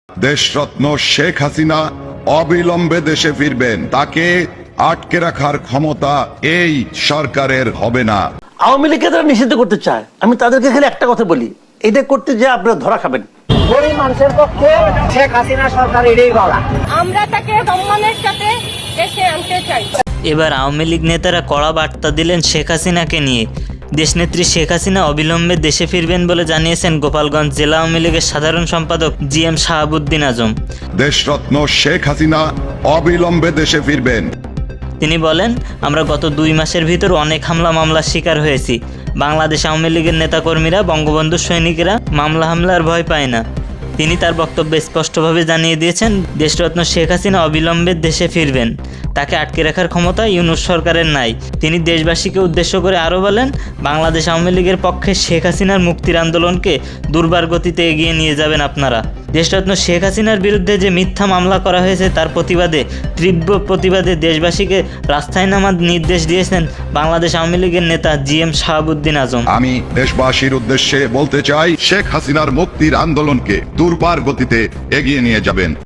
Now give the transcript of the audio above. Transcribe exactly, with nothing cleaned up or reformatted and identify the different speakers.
Speaker 1: দেশরত্ন শেখ হাসিনা অবিলম্বে দেশে ফিরবেন। তাকে আটকে রাখার ক্ষমতা এই সরকারের হবে না।
Speaker 2: আওয়ামী লীগকে তারা নিষিদ্ধ করতে চায়, আমি তাদেরকে খালি একটা কথা বলি, এটা করতে যে আপনারা ধরা খাবেন।
Speaker 3: গরিব মানুষের পক্ষে শেখ হাসিনা সরকার এটাই বলা,
Speaker 4: আমরা তাকে সম্মানের সাথে দেশে আনতে চাই।
Speaker 5: এবার আওয়ামী লীগ নেতারা কড়া বার্তা দিলেন শেখ হাসিনাকে নিয়ে। দেশনেত্রী শেখ হাসিনা অবিলম্বে দেশে ফিরবেন বলে জানিয়েছেন গোপালগঞ্জ জেলা আওয়ামী লীগের সাধারণ সম্পাদক জি এম শাহাবুদ্দিন আজম।
Speaker 1: দেশরত্ন শেখ হাসিনা অবিলম্বে দেশে ফিরবেন।
Speaker 5: তিনি বলেন, আমরা গত দুই মাসের ভিতর অনেক হামলা মামলার শিকার হয়েছি। বাংলাদেশ আওয়ামী লীগের নেতাকর্মীরা, বঙ্গবন্ধু সৈনিকেরা মামলা হামলার ভয় পায় না। তিনি তার বক্তব্যে স্পষ্টভাবে জানিয়ে দিয়েছেন, দেশরত্ন শেখ হাসিনা অবিলম্বে দেশে ফিরবেন। তাকে আটকে রাখার ক্ষমতা ইউনূস সরকারের নাই। তিনি দেশবাসীকে উদ্দেশ্য করে আরও বলেন, বাংলাদেশ আওয়ামী লীগের পক্ষে শেখ হাসিনার মুক্তির আন্দোলনকে দুর্বার গতিতে এগিয়ে নিয়ে যাবেন আপনারা। দেশরত্ন শেখ হাসিনার বিরুদ্ধে যে মিথ্যা মামলা করা হয়েছে তার প্রতিবাদে, তীব্র প্রতিবাদে দেশবাসীকে রাস্তায় নামার নির্দেশ দিয়েছেন বাংলাদেশ আওয়ামী লীগের নেতা জি এম শাহাবুদ্দিন আজম।
Speaker 1: আমি দেশবাসীর উদ্দেশ্যে বলতে চাই, শেখ হাসিনার মুক্তির আন্দোলনকে দুর্বার গতিতে এগিয়ে নিয়ে যাবেন।